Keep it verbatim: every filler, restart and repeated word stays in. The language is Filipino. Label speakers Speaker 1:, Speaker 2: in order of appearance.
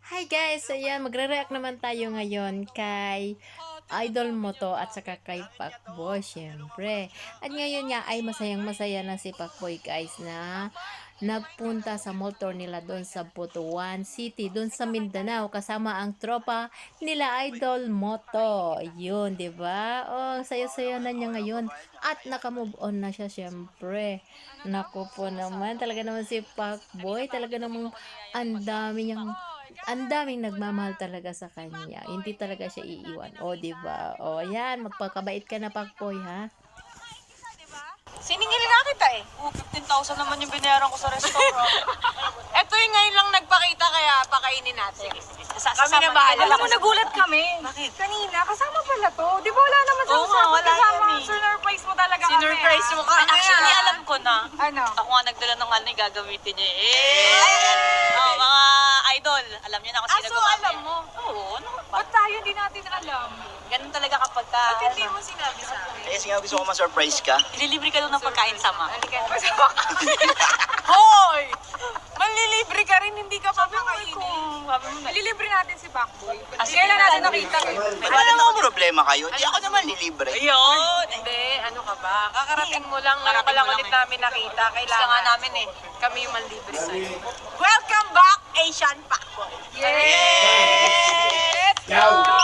Speaker 1: Hi guys! Ayan, magre-react naman tayo ngayon kay idol mo to at saka kay Pacboy, syempre. At ngayon nga ay masayang-masaya na si Pacboy guys na nagpunta sa mall tour nila doon sa Butuan City, doon sa Mindanao kasama ang tropa nila Idol Moto. Yun, 'di ba? Oh, saya-saya na niya ngayon at naka-move on na siya syempre. Naku po naman, talaga naman si Pacboy, talaga namang ang dami niyang ang daming nagmamahal talaga sa kanya. Hindi talaga siya iiwan. O, 'di ba? O, ayan, magpakabait ka na, Pacboy, ha?
Speaker 2: Siningil nga kita eh.
Speaker 3: Oh, fifteen thousand naman yung binayaran ko sa restaurant.
Speaker 2: Ito yung ngayon lang nagpakita kaya pakainin natin.
Speaker 3: Sa,
Speaker 2: Kami na bahala.
Speaker 3: Alam mo, nagulat kami.
Speaker 2: Bakit?
Speaker 3: Kanina, kasama pala to. Di ba wala naman sa
Speaker 2: Oo nga,
Speaker 3: usapan
Speaker 2: wala
Speaker 3: kasama?
Speaker 2: yan eh.
Speaker 3: Sinurprise mo talaga kami.
Speaker 2: Sinurprise mo kami.
Speaker 4: Actually, alam ko na.
Speaker 3: Ano?
Speaker 4: Ako nga nagdala ng ano yung gagamitin niya. Eh! Oh, mga idol. Alam niyo na kung
Speaker 2: Ah,
Speaker 4: sino
Speaker 2: so
Speaker 4: gumamit.
Speaker 2: alam mo?
Speaker 4: Oo, ano ba?
Speaker 3: Ba't tayo hindi natin alam?
Speaker 4: Ganun talaga kapag ka,
Speaker 2: Ba't hindi
Speaker 4: ano,
Speaker 2: mo sinabi sa akin?
Speaker 5: Kasi nga gusto ko ma-surprise ka.
Speaker 4: ililibre ka doon ng pagkain sama.
Speaker 2: Halika na. Hoy! Manlilibre ka rin, hindi ka pa makainin.
Speaker 3: Sabi mo na. Ililibre natin si Pacboy.
Speaker 4: Ah,
Speaker 3: Kaya lang natin nakita.
Speaker 5: May wala naman problema kayo. Di ako naman nilibre.
Speaker 4: Ayun!
Speaker 2: Hindi, ano ka ba? Kakarating mo lang, ngayon
Speaker 4: Karating
Speaker 2: pa lang
Speaker 4: mo lang
Speaker 2: ulit
Speaker 4: eh.
Speaker 2: namin nakita.
Speaker 4: Gusto
Speaker 2: Kailangan
Speaker 4: nga namin eh.
Speaker 2: kami yung manlibre sa'yo. Welcome back, Asian Pacboy!
Speaker 3: Yes!
Speaker 2: Let's go!